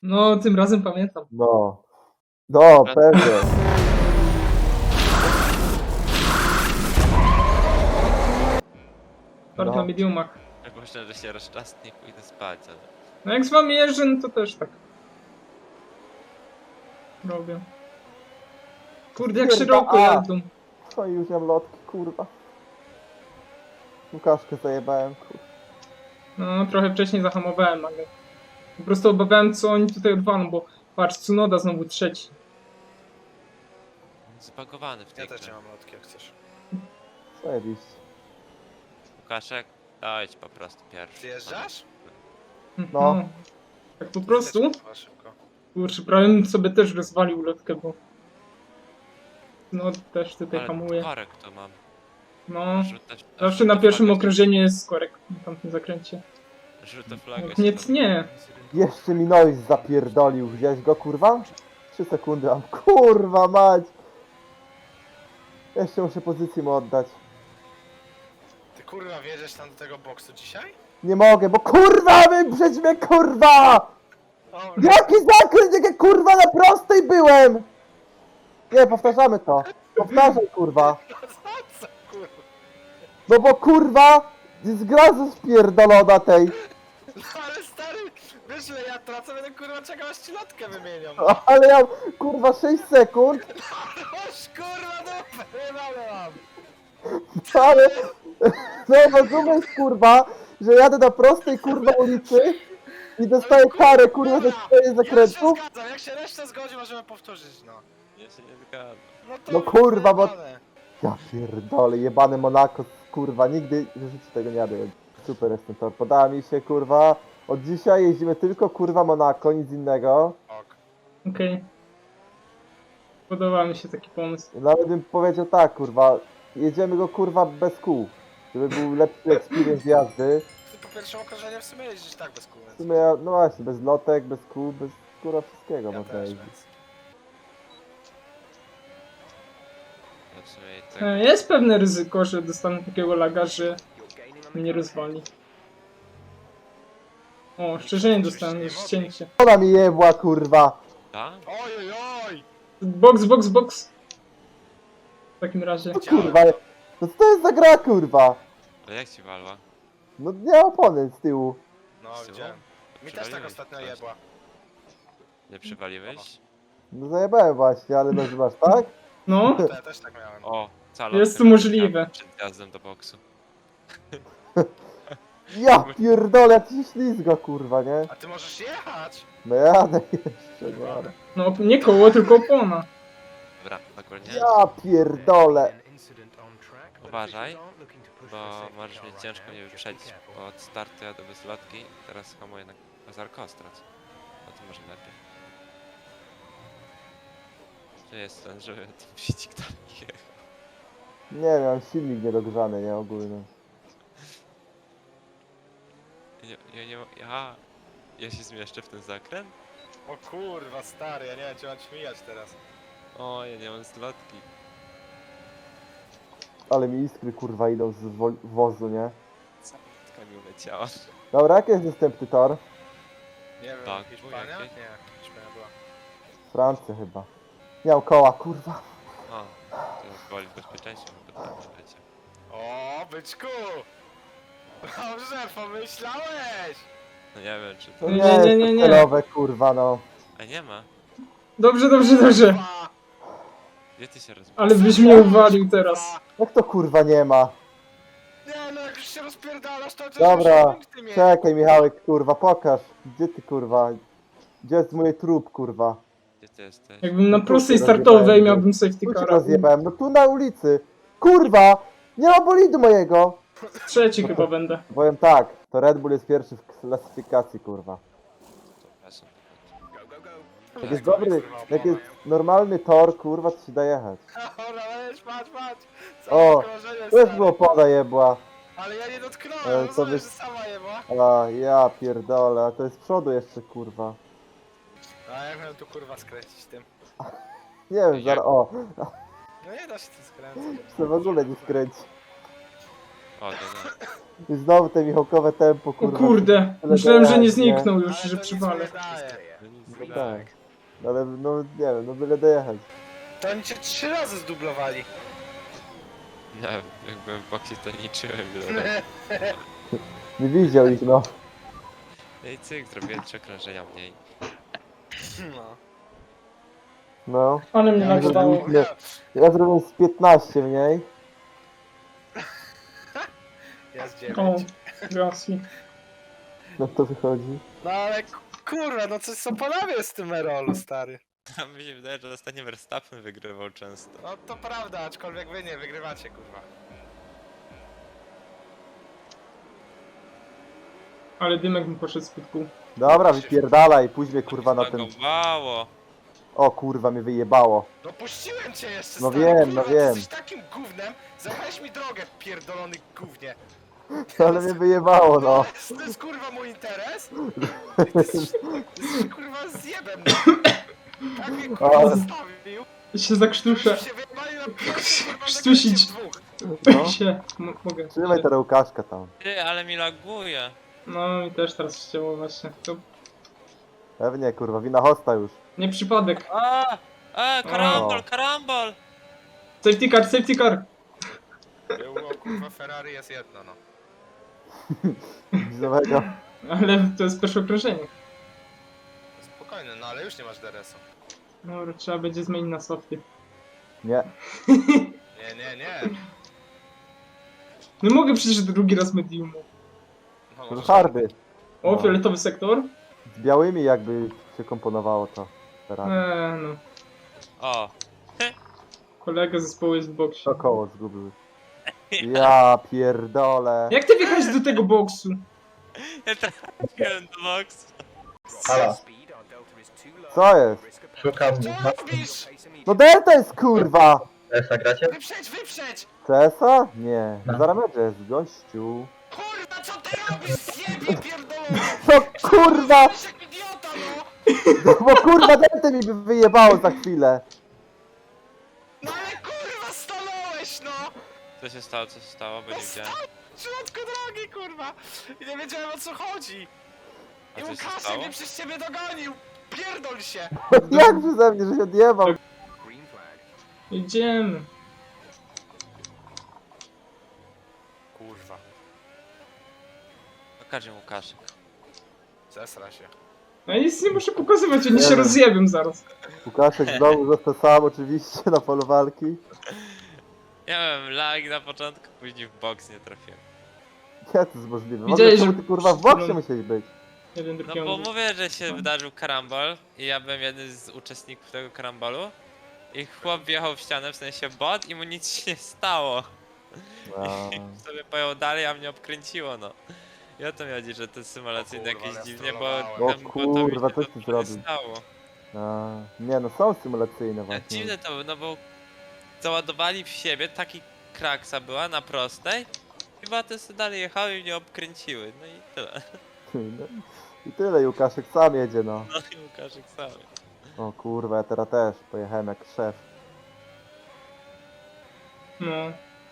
No, tym razem pamiętam. No. No, pewnie. Park No. na mediumach. Jak myślę, że się rozczasnie i pójdę spać, ale... No jak z wami jeżdżę, no to też tak. Robię. Kurde, jak Pierda- szeroko a! jadą. No i już mam lotki, kurwa. Łukaszkę zajebałem, kurwa. No, trochę wcześniej zahamowałem, ale... Po prostu obawiałem, co oni tutaj odwalą, bo patrz, Tsunoda znowu trzeci. Zbagowany w tej Ja też grze. nie mam lotki, jak chcesz. Zajebiście. Łukaszek, dajcie po prostu pierwszy. Ty jeżdżasz? No. Tak po prostu? Jedź, kurwa, szybko. Kurczę, prawie bym sobie też rozwalił lotkę, bo... No, też tutaj Ale hamuje. korek to mam. No, Żółte- zawsze na żółte pierwszym flagi- okrążeniu jest korek na tamtym zakręcie. Żółte flagi Nie, się nie. Jeszcze mi Noise zapierdolił. Widziałeś go, kurwa? 3 sekundy mam. Kurwa mać! Jeszcze muszę pozycję mu oddać. Ty kurwa wjedziesz tam do tego boksu dzisiaj? Nie mogę, bo kurwa wyprzedź mnie, kurwa! Dobra. Jaki zakręt, jak ja kurwa na prostej byłem! Nie, powtarzamy to. Powtarzaj, kurwa. Co kurwa? No bo kurwa, jest gra ze spierdolona tej. No ale stary, wiesz ile ja tracę, będę kurwa czekał aż ci lotkę wymienią. Ale ja, kurwa, 6 sekund, Oż kurwa dupę, wyjebane mam. ale... No rozumiesz, kurwa, że jadę na prostej, kurwa, ulicy i dostaję karę, kurwa, za swoje Ja się zakrętów? zgadzam, jak się reszta zgodzi, możemy powtórzyć, no. Ja się nie zgadzam. No, to No kurwa, bo- wyjebane. Ja pierdolę, jebane Monako, kurwa, nigdy w życiu tego nie jadę. Super jest ten tor, podoba mi się, kurwa. Od dzisiaj jeździmy tylko, kurwa, Monako, nic innego. Ok. Okej. Podoba mi się taki pomysł. Nawet bym powiedział tak, kurwa, jedziemy go, kurwa, bez kół. Żeby był lepszy experience jazdy. Ty po pierwszym okrążeniu w sumie jeździsz tak bez kół, W więc... sumie, ja- no właśnie, bez lotek, bez kół, bez, kurwa, wszystkiego Ja można też, jeździć. więc... Ja w sumie i tak... Jest pewne ryzyko, że dostanę takiego laga, że mnie rozwali. O, szczerze nie dostałem już ścięcie. Ona mi jebła, kurwa. Tak? Oj, oj, oj! Box, box, box! W takim razie. No kurwa, no co to jest za gra, kurwa? Ale jak ci walła? No nie opony z tyłu. No, Z tyłu? widziałem. Mi też tak Przywaliłeś ostatnio coś. jebła. Nie przywaliłeś? No zajebałem właśnie, ale nazywasz, tak? No, To ja też tak miałem. O, calo. Jest to możliwe. Przed jazdem do boksu. Ja pierdolę, jak ci ślizga, kurwa, nie? A ty możesz jechać! No jadę jeszcze, nie. no nie koło, tylko opona. Dobra, dokładnie. Ja pierdolę. Uważaj, bo możesz mieć ciężko mnie wyprzedzić. Bo od startu jadę bez lotki, teraz hamuję na Zarkostrac. No to może lepiej. Czy jest ten, żeby ten wyścig dalej jechał? Nie wiem, silnik niedogrzany, nie, ogólny. Ja się zmieszczę w ten zakręt? O kurwa, stary, ja nie wiem, czy mam śmijać teraz. O, ja nie mam zlotki. Ale mi iskry, kurwa, idą z wozu, nie? Zlotka mi uleciała. Dobra, jaki jest następny tor? Nie wiem, Tak, Hiszpania? jakie? Nie, Hiszpania była. Francja chyba. Miał koła, kurwa. O, to woli bezpieczeństwo, bo tak nie wiecie. O, byczku! Dobrze, pomyślałeś! No nie wiem, czy To to... Nie, nie, nie, jest nie, nie. celowe, kurwa, no. A nie ma. Dobrze, dobrze, dobrze. Kurwa! Gdzie ty się rozbiłeś? Ale byś mnie uwalił teraz. Jak to, kurwa, nie ma? Nie no, jak już się rozpierdalasz, to Dobra, punkty mieć. czekaj, Michałek, kurwa, pokaż. Gdzie ty, kurwa? Gdzie jest mój trup, kurwa? Gdzie ty jesteś? Jakbym na No tu prostej się startowej rozjebałem, miałbym safety Tu cię car. rozjebałem, no tu na ulicy. Kurwa! Nie ma bolidu mojego! Trzeci chyba będę. Powiem tak, to Red Bull jest pierwszy w klasyfikacji, kurwa. Przepraszam. Jak jest dobry, jak jest normalny tor, kurwa, to się da jechać. Dobra, weź, patrz, patrz! O, Krążenie, Też stary. było poda jebła. Ale ja nie Ale dotknąłem, to rozumiesz, wy- że sama jebła? A, ja pierdolę, a to jest z przodu jeszcze, kurwa. A jak miałem tu kurwa skręcić tym? Nie wiem, zaraz, o, No nie da się tym skręcać. to w ogóle nie skręci. O, no. I znowu te Michałkowe tempo, O kurwa. kurde, tyle myślałem, że nie dojechać, zniknął już, Ale że to nic przywalę. nie daje. No nic No nie tak. No ale no nie wiem, no byle dojechać. To oni cię 3 razy zdublowali. Nie wiem, jak byłem w boksie, to nie czułem ile. Nie widział ich, no. No i cyk, zrobiłem 3 okrążenia mniej. No. No. Ale mnie Ja nagodało. zrobiłem- Ja zrobiłem z 15 mniej. Ja z O, 9. Gasly. No to wychodzi. No ale kurwa, no coś są panowie z tym Erolu, stary. A mi się wydaje, że ostatnio Verstappen wygrywał często. No to prawda, aczkolwiek wy nie wygrywacie, kurwa. Ale dymek mi poszedł z pytku. Dobra, wypierdalaj, pójdź mnie kurwa na ten... Zbagowało. O kurwa, mnie wyjebało. No puściłem cię jeszcze, No stary, wiem, kurwa, no ty wiem. jesteś takim gównem, zamknąłeś mi drogę, pierdolony gównie. Ale mnie wyjebało, no. To jest kurwa mój interes? I ty jesteś kurwa zjebem, no. Tak mnie kurwa Ale- zostawił. Się zakrztuszę. Się wyjebali na pierwszy, kurwa, Krztusić. zakręcie w dwóch. No. Się, mogę. Trzymaj teraz Łukaszka tam. Ty, ale mi laguje. No i też teraz chciało właśnie. To Pewnie kurwa, wina hosta już. nie przypadek. Karambol, karambol! Safety car, safety car. Było, kurwa, Ferrari jest jedno, no. Widzowego. Ale to jest pierwsze okrążenie. Spokojnie, no ale już nie masz DRS-u. Dobra, trzeba będzie zmienić na softy. Nie. Nie. Nie mogę przecież drugi raz mediumu. No, To możesz- hardy. O, No. fioletowy sektor? Z białymi jakby się komponowało to. Teraz. No. O, Kolega zespołu jest w boksie. To koło zgubił. Ja pierdolę. Jak ty wjechałeś do tego boksu? ja trafiłem do box. Halo, Co jest? szukam Co robisz? No delta jest kurwa! Esa gracie? Wyprzedź! CS-a? Nie. No. Zarametrze jest, gościu. Kurwa, co ty robisz? Zjebie pierdolony! No kurwa! Jesteś jak idiota, no! No bo kurwa delta mi by wyjebało za chwilę. No ale kurwa, stanąłeś, no! Co się stało, co się stało, bo nie widziałem. W środku drogi, kurwa! I nie wiedziałem, o co chodzi! A I co się Łukaszek stało? mnie przez ciebie dogonił! Pierdol się! Jak przeze mnie, że się odjebał? Idziemy. Kurwa, Pokażę Łukaszek. zesra się. No nic nie muszę pokazywać, oni Nie się no. rozjebią zaraz. Łukaszek znowu został sam oczywiście na polu walki. Ja miałem lag na początku, później w box nie trafiłem. Jak to jest możliwe? Widziałeś, Może że- ty kurwa w boksie musiałeś być. Jeden, No drugi. bo mówię, że się wydarzył karambol i ja byłem jednym z uczestników tego karambolu. I chłop wjechał w ścianę, w sensie bot i mu nic się nie stało. A, I sobie pojechał dalej, a mnie obkręciło, no. I o to mi chodzi, że to symulacyjne O kurwa, jakieś ale dziwnie, bo strollowałem. temu O botowi kurwa, się co to ty nie zrobił? stało. nie no, są symulacyjne właśnie. Dziwne to było, no bo załadowali w siebie, taki kraksa była na prostej i baty sobie dalej jechały i mnie obkręciły, no i tyle. No, i tyle, i Łukaszek sam jedzie, no. No i Łukaszek sam. O kurwa, ja teraz też pojechałem jak szef. No.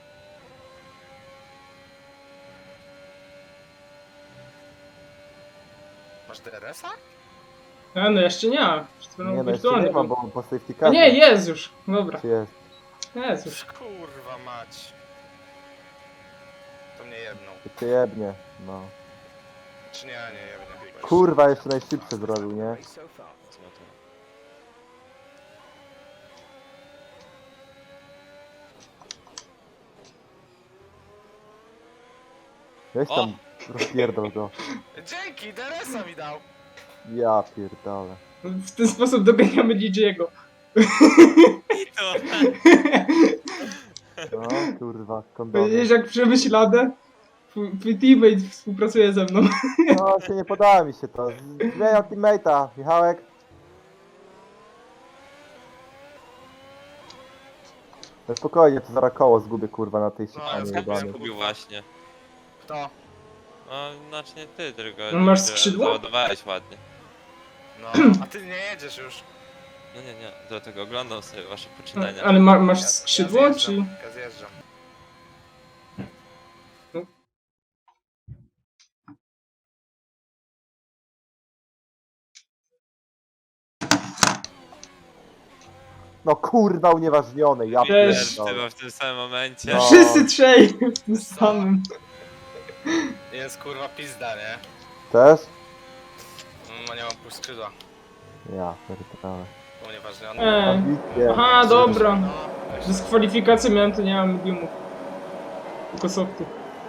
Masz DRS-a? No jeszcze nie. Jeszcze Nie no, jeszcze wirtualny nie mam, był. bo po safety A carze nie, jest już. Dobra, jest. jest już. Kurwa mać. To mnie jedną. To cię jebnie, no. Czy nie jedną. Kurwa, jeszcze najszybsze zrobił, nie? Co to? Weź O! tam, rozpierdol go. Dzięki, DRS-a mi dał! Ja pierdolę. W ten sposób doganiamy DJ-ego. I to! No kurwa, Widzisz kondony. jak przemyślane? Twój teammate współpracuje ze mną. No, się nie podoba mi się to. Zmieniam teammate'a, Michałek. No spokojnie, to zaraz koło zgubię kurwa na tej No, szykanie zgubię. jebanej. Zgubił właśnie. Kto? No, znaczy nie ty, tylko No, masz że skrzydło? załadowałeś ładnie. No, a ty nie jedziesz już. No nie, dlatego oglądam sobie wasze poczynania. Ale masz skrzydło, ja czy...? zjeżdżam, Ja zjeżdżam. No, No kurwa, unieważnione, ja Też. pierdolę. Chyba w tym samym momencie. No. Wszyscy trzej w tym samym. Jest kurwa pizda, nie? Też? No nie mam pół skrzydła. Ja pierdolę. To nieważne. Ambitnie. Aha, dobra. No, Dyskwalifikację miałem, to nie mam mediumów. Tylko softy.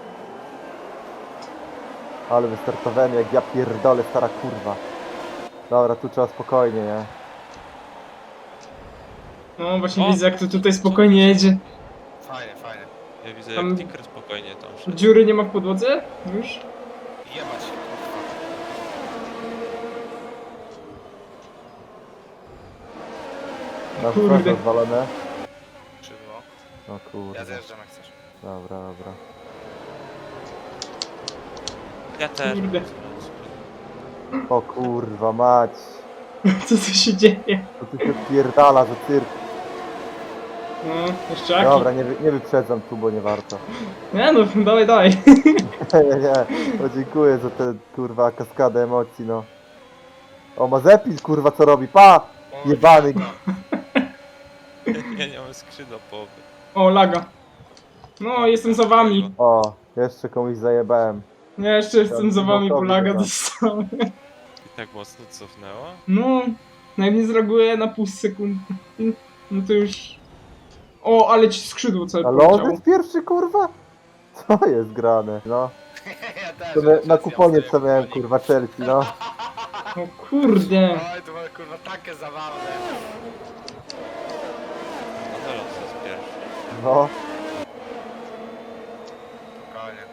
Ale wystartowałem jak ja pierdolę, stara kurwa. Dobra, tu trzeba spokojnie, nie? No właśnie O! widzę, jak to tutaj spokojnie jedzie. fajnie, fajnie. Ja widzę Tam- jak Ticker spokojnie dąży. Dziury nie ma w podłodze? Już? Jebać się kurwa. Na Kurde. wprost rozwalone. Skrzydło. No Ja kurwa. zjeżdżam jak chcesz. Dobra, dobra. Ja też. Kurde. O kurwa mać. Co tu się dzieje? To tu się pierdala za cyrk. No, jeszcze jaki? Dobra, nie wyprzedzam tu, bo nie warto. Nie no, dawaj, dawaj. Nie, no dziękuję za tę kurwa kaskadę emocji, no. O, Mazepin kurwa co robi, pa! O, Jebany. Ja nie mam skrzydła połowy. O, laga. No, jestem za wami. O, jeszcze komuś zajebałem. Nie, jeszcze jestem za wami, bo laga Dobra. dostałem. I tak mocno cofnęło? No, jak nie zreaguję na pół sekundy, no to już... O, ale ci skrzydło całe Ale poleciało. on jest pierwszy kurwa? Co jest grane, no. ja też. To na kuponie co miałem kurwa Chelsea, no. O kurde. Oj, to było kurwa takie zabawne. No Alonso jest pierwszy. No. Spokojnie.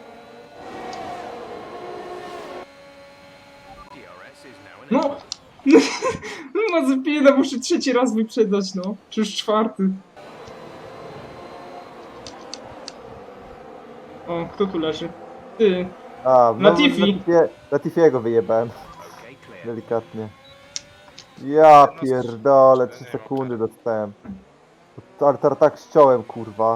No! No Mazepina muszę trzeci raz wyprzedać, no. Czy już czwarty. O, kto tu leży? Ty. A, no, Latifi. Latifiego wyjebałem. Delikatnie. Ja pierdolę, 3 sekundy dostałem. Tak ściąłem kurwa.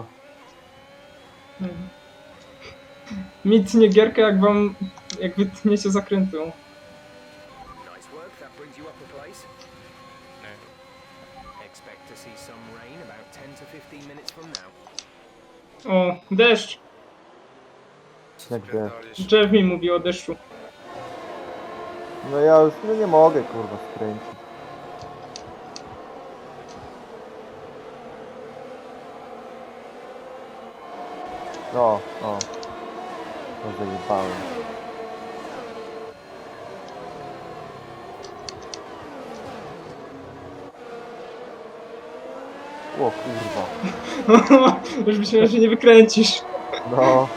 Mi tnie gierkę, jak wytniecie zakrętą. Nice work, that brings you up a place. Expect to see some rain about 10 to 15 minutes from now. O, deszcz. Jak gdzie? Pierdolisz. Jeff mi mówi o deszczu. No ja już nie mogę kurwa skręcić. O. To zajebałem. O kurwa. Już myślałem, że nie wykręcisz. No.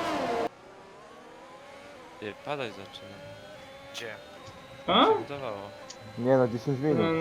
Nie, padać zaczyna. Gdzie? A? Się wydawało. Nie no, 10 No, minut. no.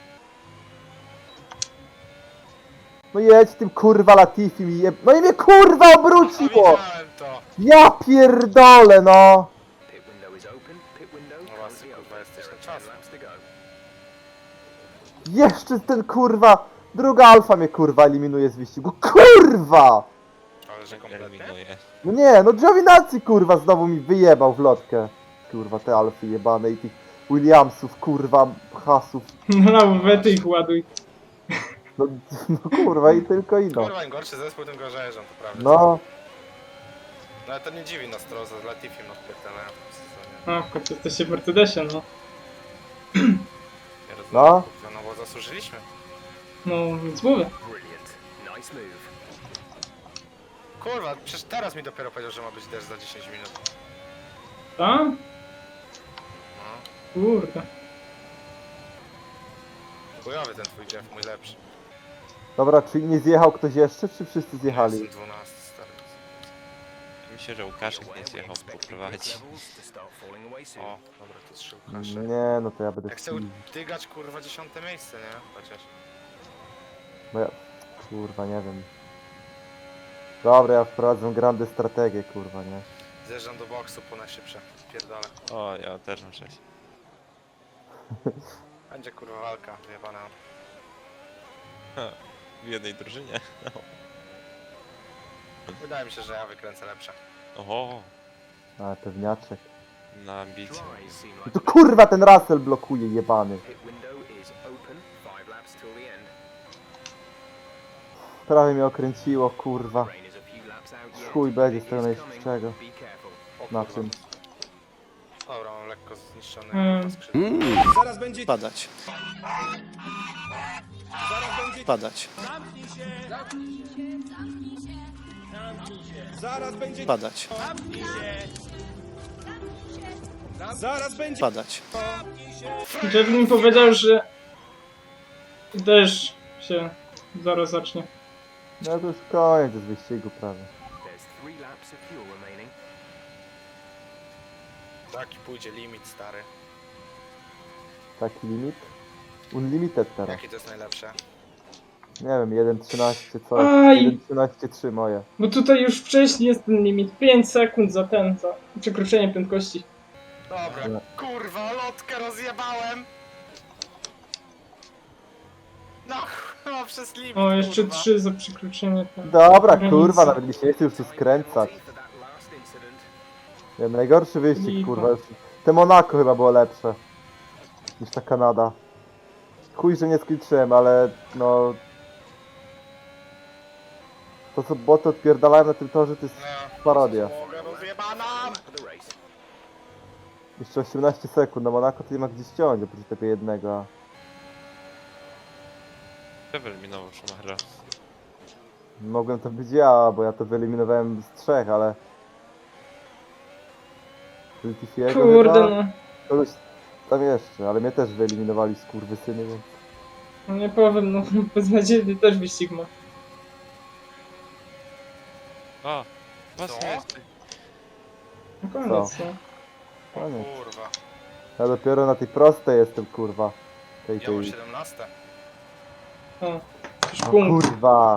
No jedź tym kurwa Latifi mi jeb... No i mnie kurwa obróciło! Widziałem to. Ja pierdolę no! Pit window is open. Pit window No właśnie, currently kurwa, open. jesteś There na are czas. 10 laps to go. Jeszcze ten kurwa... Druga alfa mnie kurwa eliminuje z wyścigu. Kurwa! Ale że kompletnie? Eliminuję. No nie, no Giovinazzi kurwa znowu mi wyjebał w lotkę. Kurwa te alfy jebane i tych Williamsów kurwa, hasów. Na lawetę ich ładuj. No, no kurwa i tylko i no. Kurwa, im gorszy zespół, tym gorzej jeżdżą, to prawda. No, No ale to nie dziwi nas to, za Latifim odpierdalają w tym sezonie. A, w końcu jesteście w Mercedesie, no. Nie rozumiem, No. kurwa, no bo zasłużyliśmy. No, więc mówię. Brilliant. Nice move. Kurwa, przecież teraz mi dopiero powiedział, że ma być deszcz za 10 minut. A? No. Kurde. Chujowy ten twój Jeff, mój lepszy. dobra, czy nie zjechał ktoś jeszcze, czy wszyscy zjechali? Jestem 12, stary. Myślę, że Łukaszek nie zjechał poprowadzić. Levels to start falling away soon. O, dobra, to jest Łukasz. Nie, no to ja będę Ja chcę dygać kurwa 10 miejsce, nie? Chociaż. Bo ja... Kurwa, nie wiem. Dobra, ja wprowadzę grandę strategię, kurwa, nie? Zjeżdżam do boksu po najszybsze. Pierdolę. O, ja też mam 6. Będzie kurwa walka, wyjebana. W jednej drużynie. Wydaje mi się, że ja wykręcę lepsze. Oho, A, pewniaczek. na ambicje. Dries seem No like to kurwa ten Russell blokuje, jebany. pit window is open. 5 laps till the end. Prawie mnie okręciło, kurwa. Rain is a few laps out yet. Chuj będzie z It tego is najszybszego. coming. Be careful. O Na kurwa. czym? Dobra, mam lekko zniszczony Mm. skrzydło. Zaraz będzie padać. Zaraz będzie padać. Zaraz będzie padać. Zaraz będzie padać. Jeff mi powiedział, że deszcz się zaraz zacznie. No to już koniec z wyścigu prawie. There's 3 laps of fuel remaining. Taki pójdzie limit, stary. Taki limit? Unlimited teraz. Jaki to jest najlepsze? Nie wiem, 1.13 coś. Aj! 1.13.3 moje. Bo tutaj już wcześniej jest ten limit. 5 sekund za przekroczenie prędkości. Dobra, Nie. kurwa, lotkę rozjebałem! No, przez limit, O, jeszcze kurwa. 3 za przekroczenie. Dobra, granicy. kurwa, nawet mi się nie chce już tu skręcać. For that last incident. Nie, najgorszy wyścig, Lipa. kurwa. Już. Te Monako chyba było lepsze niż ta Kanada. Chuj, że nie skończyłem, ale no... To co boty odpierdalają na tym torze to jest No, parodia. mogę rozjebana! For the race. Jeszcze 18 sekund, na Monako to nie ma gdzie ściąć, oprócz tego jednego. a- Kto wyeliminował Schumachera? Mogłem to być ja, bo ja to wyeliminowałem z 3, ale... Latifiego Kurde chyba? no. Kogoś tam jeszcze, ale mnie też wyeliminowali skurwysyny, więc... No nie powiem, no beznadziejny też wyścig ma. O! Właśnie Co? jest. No koniec, no. Koniec. Kurwa, Ja dopiero na tej prostej jestem, kurwa. ja mam 17. O, już No punkt. kurwa.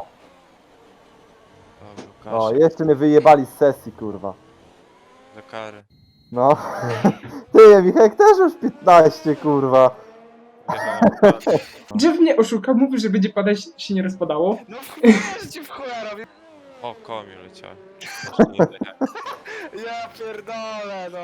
O, O, Łukasz, jeszcze mnie wyjebali z sesji, kurwa. do kary. No. Ty, Michek też już 15, kurwa. Wjechałem. Jeff mnie oszukał, mówi, że będzie padać, się nie rozpadało. No chuj, ci w chuja robię. O, koło mi leciałem. Znaczy, nie dojechałem. Ja pierdolę, no.